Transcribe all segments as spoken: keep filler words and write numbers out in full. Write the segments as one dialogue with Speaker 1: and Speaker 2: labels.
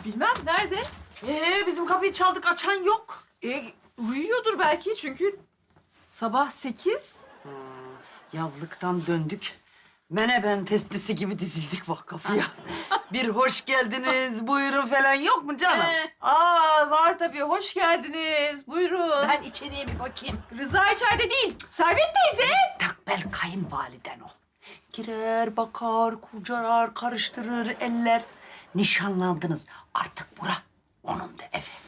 Speaker 1: Bilmem nerede?
Speaker 2: Ee, bizim kapıyı çaldık, açan yok.
Speaker 1: E, uyuyordur belki çünkü sabah sekiz.
Speaker 2: Yazlıktan döndük. Menemen testisi gibi dizildik bak kapıya. Bir hoş geldiniz, buyurun falan yok mu canım?
Speaker 1: Ee, aa var tabii. Hoş geldiniz. Buyurun.
Speaker 3: Ben içeriye bir bakayım.
Speaker 1: Rıza içeride değil. Servet teyze.
Speaker 2: Takbel kayınvaliden o. Girer, bakar, kurcalar, karıştırır eller. Nişanlandınız. Artık bura onun da evi.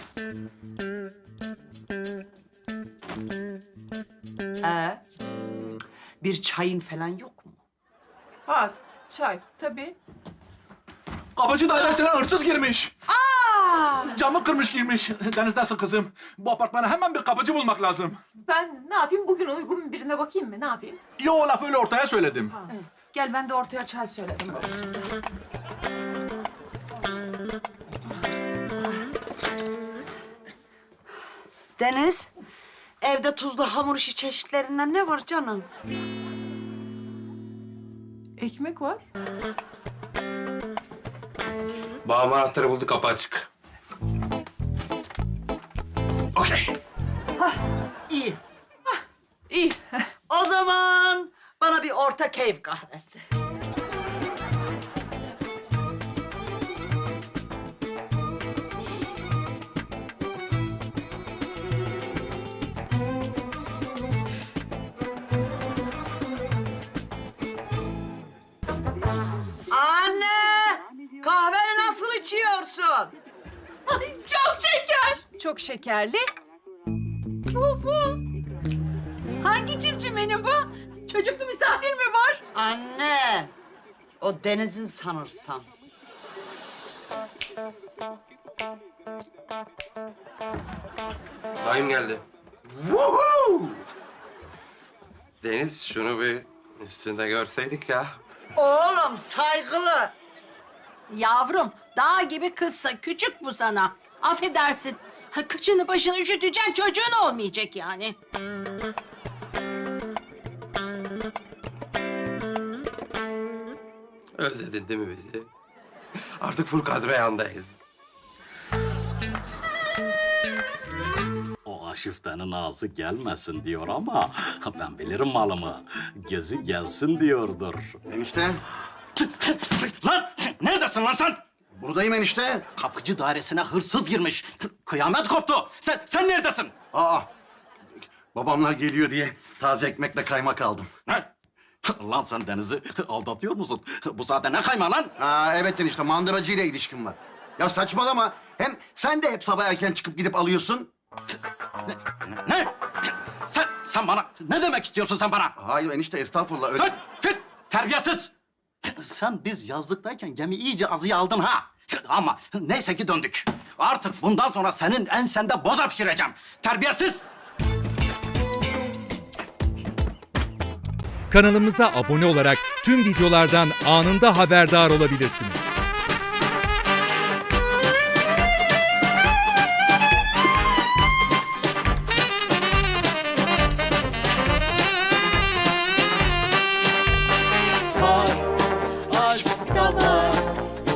Speaker 2: Ee, bir çayın falan yok mu?
Speaker 1: Ha çay tabii.
Speaker 4: Kapıcı dairesine hırsız girmiş.
Speaker 2: Aa!
Speaker 4: Camı kırmış girmiş. Deniz nasıl kızım? Bu apartmana hemen bir kapıcı bulmak lazım.
Speaker 1: Ben ne yapayım? Bugün uygun birine bakayım mı? Ne yapayım?
Speaker 4: Yo, o lafı öyle ortaya söyledim.
Speaker 2: Evet, gel ben de ortaya çay söyledim. Deniz, evde tuzlu hamur işi çeşitlerinden ne var canım?
Speaker 1: Ekmek var.
Speaker 5: Babam anahtarı buldu, kapı açık. Okey.
Speaker 2: İyi.
Speaker 1: İyi.
Speaker 2: O zaman bana bir orta keyif kahvesi. Anne! Kahveni nasıl içiyorsun?
Speaker 1: Çok şeker. Çok şekerli. Bu bu.
Speaker 3: Hangi cimcimenin bu?
Speaker 1: Çocuklu misafir mi var?
Speaker 2: Anne! O Deniz'in sanırsam.
Speaker 5: Dayım geldi.
Speaker 2: Woohoo!
Speaker 5: Deniz, şunu bir üstünde görseydik ya.
Speaker 2: Oğlum saygılı.
Speaker 3: Yavrum, dağ gibi kızsa küçük bu sana. Affedersin. Ha, kıçını başını üşüteceksin, çocuğun olmayacak yani.
Speaker 5: Özledin değil mi bizi? Artık full kadro yandayız.
Speaker 6: O aşiftenin ağzı gelmesin diyor ama ben bilirim malımı. Gözü gelsin diyordur.
Speaker 7: Enişte,
Speaker 6: Lan neredesin lan sen?
Speaker 7: buradayım enişte.
Speaker 6: Kapıcı dairesine hırsız girmiş. Kıyamet koptu. Sen sen neredesin?
Speaker 7: Aa, babamlar geliyor diye taze ekmekle kaymak aldım.
Speaker 6: Ne? Lan sen Deniz'i aldatıyor musun? Bu saatte ne kayma lan?
Speaker 7: Aa, evet enişte, mandıracıyla ilişkim var. Ya saçmalama. Hem sen de hep sabah erken çıkıp gidip alıyorsun.
Speaker 6: Ne? Sen sen bana ne demek istiyorsun sen bana?
Speaker 7: Hayır enişte, estağfurullah. Öyle...
Speaker 6: Sen fit terbiyesiz. Sen biz yazlıktayken gemi iyice azıya aldın ha. Ama neyse ki döndük. Artık bundan sonra senin ensende boza pişireceğim. Terbiyesiz.
Speaker 8: Kanalımıza abone olarak tüm videolardan anında haberdar olabilirsiniz.